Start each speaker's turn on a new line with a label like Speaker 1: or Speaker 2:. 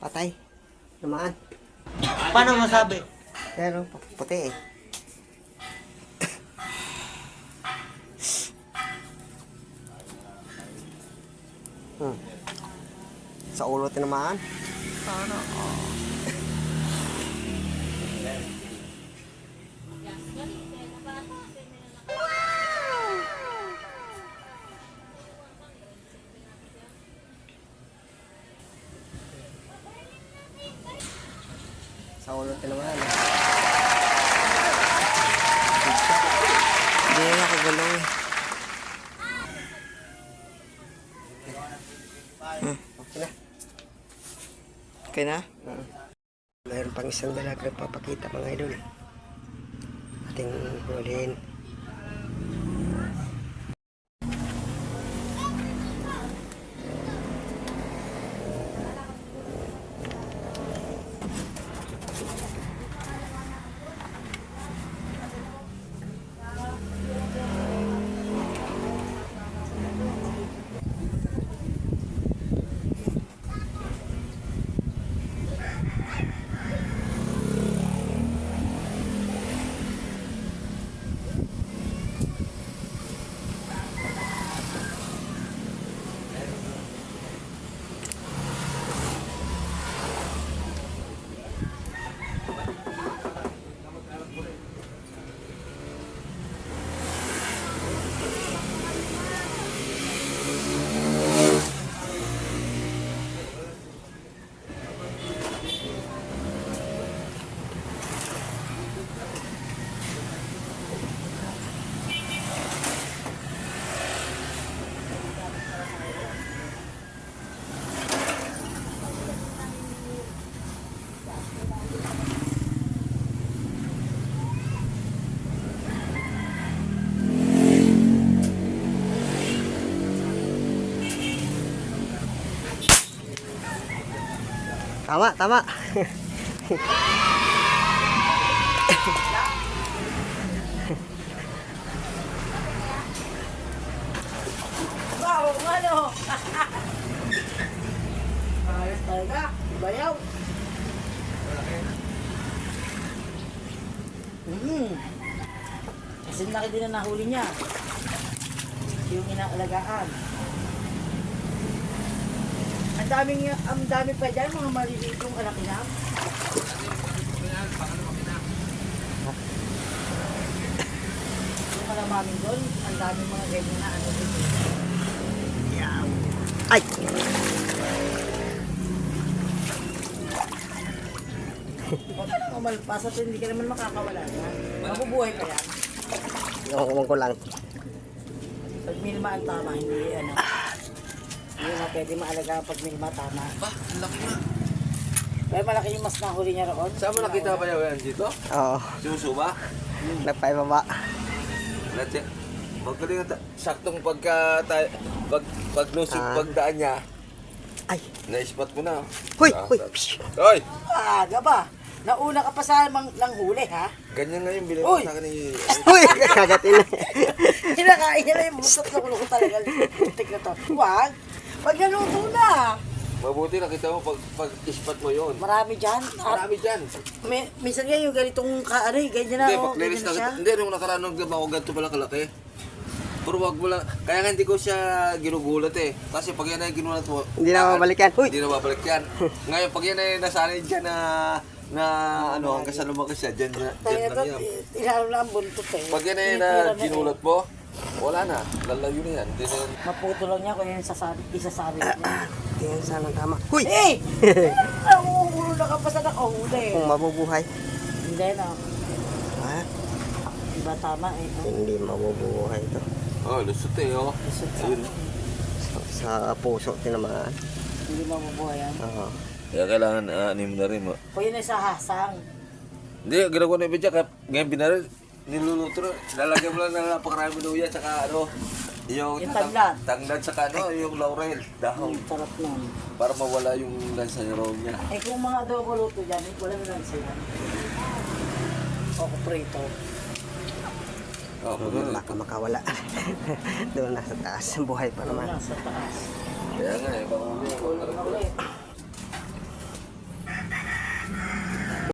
Speaker 1: Patay. Namaan.
Speaker 2: Paano masabi?
Speaker 1: Pero puti eh. Sa ulo tinamaan.
Speaker 2: Sana
Speaker 1: Sa ulo tinamaan.
Speaker 2: hindi na nakagalaw eh.
Speaker 1: Okay na.
Speaker 2: Okay na?
Speaker 1: Mayroon pang isang dalaga na papakita mga idol. Ating hulihin. Tama, tama.
Speaker 3: Wow, ano? Ayos talaga. Bayaw. Kasi laki din na nahuli niya. Yung inaalagaan. Ang dami pa dyan, mga maliliit yung alakinam. Yung kalamamin doon, ang dami mga ganyan na ano dito.
Speaker 1: Ay!
Speaker 3: Pag umalpas at hindi ka naman makakawala na. Mabubuhay pa yan.
Speaker 1: Yung ko lang.
Speaker 3: Pag minima ang tama, hindi ano. Hindi na pwede maalaga pag minima tama.
Speaker 2: Ba, ang laki nga.
Speaker 3: Kaya malaki yung mas nahuli niya roon.
Speaker 4: Saan mo nakita ba yan dito?
Speaker 1: Oo.
Speaker 4: Suso ba?
Speaker 1: Nagpaibaba.
Speaker 4: Natya. Magaling na saktong paglusog pagdaan niya.
Speaker 1: Ay!
Speaker 4: Na-spot mo na.
Speaker 1: Hoy!
Speaker 4: Ah,
Speaker 1: Hoy!
Speaker 4: Hoy!
Speaker 3: Aga ba? Nauna ka pa sa lang huli, ha?
Speaker 4: Ganyan nga yung bilhin
Speaker 3: Uy!
Speaker 4: mo sa akin ni...
Speaker 1: Uy! Kagatin na.
Speaker 3: Hinakain niya na yung busot na kulo ko talaga. Tik na to. Huwag! Pag naluto na.
Speaker 4: Mabuti nakita mo pag-spot mo yun.
Speaker 3: Marami dyan.
Speaker 4: Marami dyan.
Speaker 3: Minsan nga yung ganitong ganyan na.
Speaker 4: Hindi,
Speaker 3: oh,
Speaker 4: pag-release
Speaker 3: ganyan na siya.
Speaker 4: na. Hindi, nung nakaraan nung ako ganito pala kalaki. Pero wag mo lang. Kaya nga hindi ko siya ginugulat eh. Kasi pag yan ay ginulat mo...
Speaker 1: Hindi na mabalik yan. Uy!
Speaker 4: Hindi na babalik yan. Ngayon, pag yan ay nasanay dyan na ano, hanggang sa lumakas siya, dyan lang yan.
Speaker 3: Inalo na ang buntot eh.
Speaker 4: Pag yan ay na ginulat mo, wala na. Lalayo na yan. Hindi na yan.
Speaker 3: Maputo lang niya kung yung isasabi niya.
Speaker 1: Tingnan sana tama. Uy!
Speaker 3: Eh! Ang ulo na ka pa sa nakahuli.
Speaker 1: Kung mabubuhay.
Speaker 3: Hindi na.
Speaker 1: Ah,
Speaker 3: Diba tama eh.
Speaker 1: hindi mabubuhay ito.
Speaker 4: Oh, lusot eh, oh.
Speaker 3: Lusot sa
Speaker 4: Ayun.
Speaker 1: Sa puso tinamaan.
Speaker 3: Hindi mabubuhay yan.
Speaker 1: Oo.
Speaker 4: Kaya kailangan anim na rin mo.
Speaker 3: O yun ay sa hasang.
Speaker 4: Hindi, ginagawa na ibig dyan. Ngayon binaril, niluluto na. Lalagyan mo lang ng napakarami luya, tsaka ano, yung
Speaker 3: tanglad.
Speaker 4: Tanglad, tsaka ano, yung laurel, dahon.
Speaker 3: Sarap nun.
Speaker 4: Para mawala yung lansanyarong niya.
Speaker 3: Eh kung mga adobo luto dyan, wala na lang sila. O kuprito.
Speaker 4: Oh,
Speaker 1: Baka makawala. Doon nasa taas. Buhay pa naman.
Speaker 3: Wala sa taas.
Speaker 4: Kaya nga eh, baka
Speaker 3: Ulo na ulit.